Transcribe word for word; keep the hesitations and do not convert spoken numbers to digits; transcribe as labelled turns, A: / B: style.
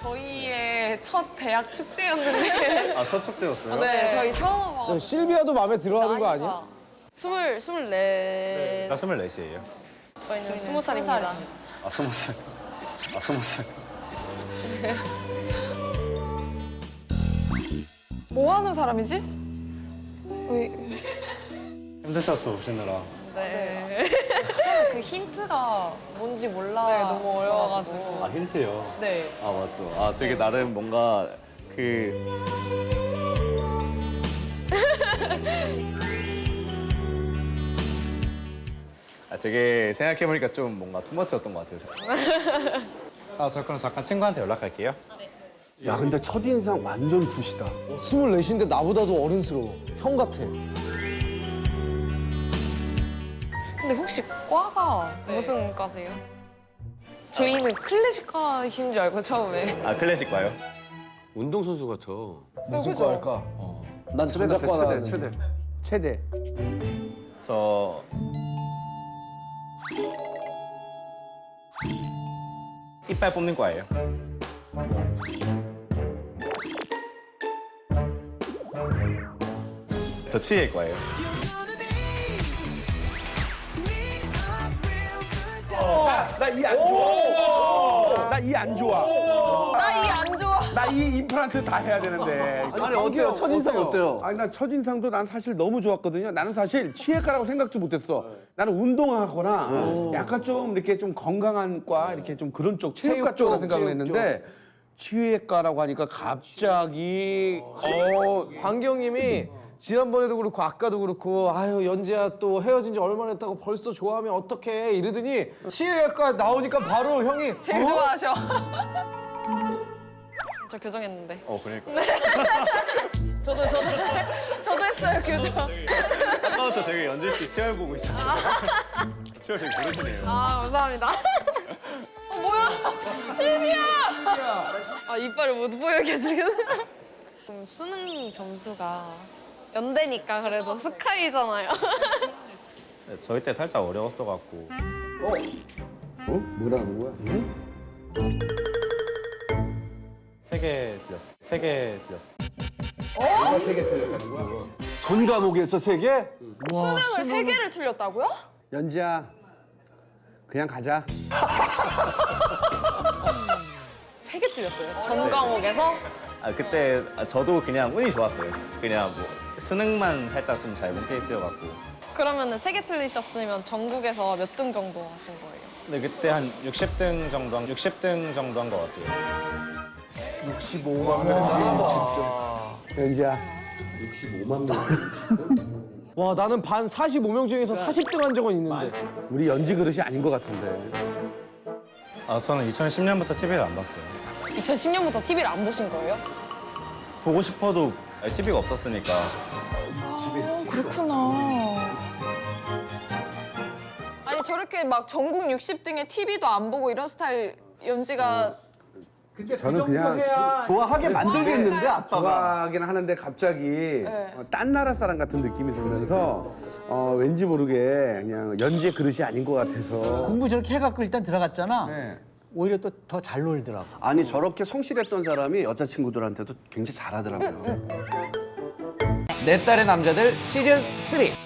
A: 저희의 첫 대학 축제였는데.
B: 아, 첫 축제였어요?
A: 네, 저희 처음 와서.
C: 저 실비아도 마음에 들어하는 거 아니야?
A: 스물, 스물네.
B: 나 스물넷이에요.
A: 저희는 스무 살입니다.
B: 아, 스무 살. 아, 스무 살.
D: 뭐 하는 사람이지? 왜?
B: 힘드셨죠, 오시느라.
A: 네. 처음에 그 힌트가 뭔지 몰라. 네, 너무 어려워가지고.
B: 아, 힌트요?
A: 네.
B: 아, 맞죠. 아, 되게 나름 뭔가 그. 아, 되게 생각해보니까 좀 뭔가 투머치였던 것 같아요. 아, 저 그럼 잠깐 친구한테 연락할게요.
C: 야, 근데 첫인상 완전 굿이다. 스물넷인데 나보다도 어른스러워. 형 같아.
A: 근데 혹시 과가 무슨 과세요? 저희는 클래식과이신 줄 알고 처음에.
B: 아, 클래식 봐요?
E: 운동선수 같아.
C: 무슨 거 할까? 난 전작과
F: 최대,
C: 나왔는데.
F: 최대. 최대.
B: 저. 이빨 뽑는 과예요. 저 치의과예요.
F: 나 이 안 좋아. 나 이 안 좋아.
A: 나 이 안 좋아.
F: 나 이 임플란트 다 해야 되는데.
C: 아니, 어때요? 첫인상 어때요?
F: 아니 나 첫인상도 난 사실 너무 좋았거든요. 나는 사실 치외과라고 생각도 못했어. 나는 운동하거나 약간 좀 이렇게 좀 건강한 과 이렇게 좀 그런 쪽 체육과
C: 체육
F: 쪽으로
C: 쪽,
F: 생각을
C: 체육
F: 했는데 치외과라고 하니까 갑자기 어
C: 광경님이 지난번에도 그렇고 아까도 그렇고 아유 연지야 또 헤어진 지 얼마나 됐다고 벌써 좋아하면 어떡해 이러더니 치외과 나오니까 바로 형이
A: 제일 좋아하셔. 저 교정했는데.
B: 어, 그러니까.
A: 저도 저도 저도 했어요 교정.
B: 아까부터 되게 연진 씨 치열 보고 있었어요. 치열 되게 모르시네요.
A: 아 감사합니다. 어 뭐야? 실비야. 아 이빨을 못 보여게 지금. 음, 수능 점수가 연대니까 그래도 스카이잖아요.
B: 네, 저희 때 살짝 어려웠어갖고.
F: 어? 뭐라는 거야?
B: 세 개 틀렸어. 세 개 틀렸어.
F: 누가 세개 틀렸다는 거야?
C: 전 과목에서 세 개?
D: 수능을 세 개를 틀렸다고요?
F: 연지야 그냥 가자.
A: 세 개 틀렸어요. 전 과목에서.
B: 아, 그때 아, 저도 그냥 운이 좋았어요. 그냥 뭐 수능만 살짝 좀 잘 본 케이스여갖고.
A: 그러면은 세 개 틀리셨으면 전국에서 몇 등 정도 하신 거예요?
B: 근데 그때 한 육십 등 정도, 한 육십 등 정도 한 것 같아요.
C: 육십오만 명.
F: 연지야
E: 육십오만 명.
C: 와 나는 반 사십오 명 중에서 사십 등 한 적은 있는데.
F: 우리 연지 그릇이 아닌 것 같은데.
B: 아, 저는 이천십 년부터 티비를 안 봤어요.
A: 이천십 년부터 티비를 안 보신 거예요?
B: 보고 싶어도 티비가 없었으니까.
D: 아, 그렇구나. 아니 저렇게 막 전국 육십 등의 티비도 안 보고 이런 스타일 연지가
F: 저는 그냥
C: 좋아하게 만들겠는데 아빠가.
F: 좋아하긴 하는데 갑자기 어, 딴 나라 사람 같은 느낌이 들면서 어, 왠지 모르게 그냥 연지의 그릇이 아닌 것 같아서.
G: 공부 저렇게 해갖고 일단 들어갔잖아.
F: 네.
G: 오히려 또 더 잘 놀더라고.
E: 아니 저렇게 성실했던 사람이 여자친구들한테도 굉장히 잘하더라고요.
C: 내 딸의 남자들 시즌 쓰리.